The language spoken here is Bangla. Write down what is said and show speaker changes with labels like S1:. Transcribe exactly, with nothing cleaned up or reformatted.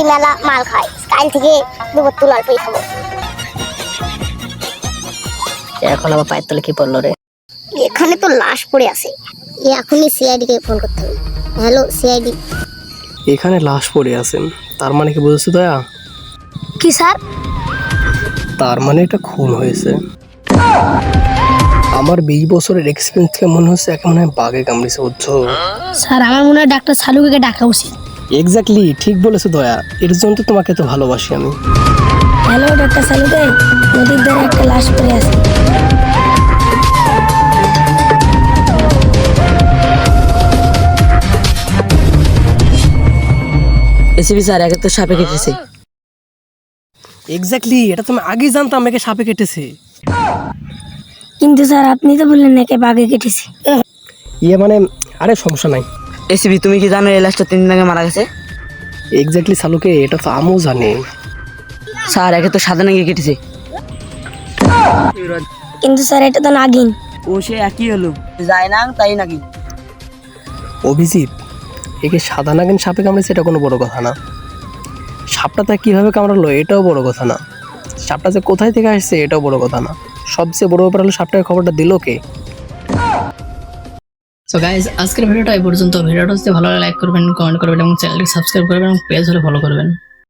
S1: মেলা মাল খাই, কাল থেকে দুপুর তুল অল্পই খাবো।
S2: এখন আবার পায়ের তলে কি পড়লো রে?
S1: এখানে তো লাশ পড়ে আছে, এখনই সিআইডি কে ফোন করতে হবে। Hello CID.
S3: এখানে লাশ পড়ে আছেন, তার মানে কি বুঝেছো দয়া?
S1: কি স্যার?
S3: তার মানে এটা খুন হয়েছে। আমার বিশ বছরের এক্সপিরিয়েন্স থেকে মনে হচ্ছে একে মনে হয় বাঘে কামড়েছে, বুঝছো?
S4: স্যার আমার মনে হয় ডাক্তার সালুকে ডাকা উচিত।
S3: এক্স্যাক্টলি ঠিক বলেছো দয়া, এর জন্য তো তোমাকে তো ভালোবাসি আমি।
S4: হ্যালো ডাক্তার সালুকে, নদীর ধারে একটা লাশ পড়ে আছে।
S2: এসিবি স্যার, একে তো সাপে কেটেছে।
S3: এক্স্যাক্টলি, এটা তুমি আগেই জানতাম একে সাপে কেটেছে।
S4: কিন্তু স্যার আপনি তো বললেন নাকি বাঘে কেটেছে।
S3: ইয়ে মানে, আরে সমস্যা নাই।
S2: এসিবি তুমি কি জানো এই লাশটা তিন দিন আগে মারা গেছে?
S3: এক্স্যাক্টলি সালুকে, এটা তো আমিও জানি।
S2: স্যার একে তো সাদা নাকি কেটেছে।
S4: কিন্তু স্যার এটা তো নাগিন।
S2: ও সে একই হলো, যায় না তাই নাকি?
S3: অভিজিৎ, একে সাদা নাগিন সাপে কামড়েছে এটা কোনো বড় কথা না। সাপটা তা কীভাবে কামড়ালো এটাও বড় কথা না। সাপটা যে কোথায় থেকে আসছে এটাও বড় কথা না। সবচেয়ে বড় ব্যাপার হলো সাপটাকে খবরটা দিল কে।
S5: সো গাইজ, আজকের ভিডিওটা এই পর্যন্ত। ভিডিওটা যদি ভালো লাগে লাইক করবেন, কমেন্ট করবেন এবং চ্যানেলটি সাবস্ক্রাইব করবেন এবং পেজ হলে ফলো করবেন।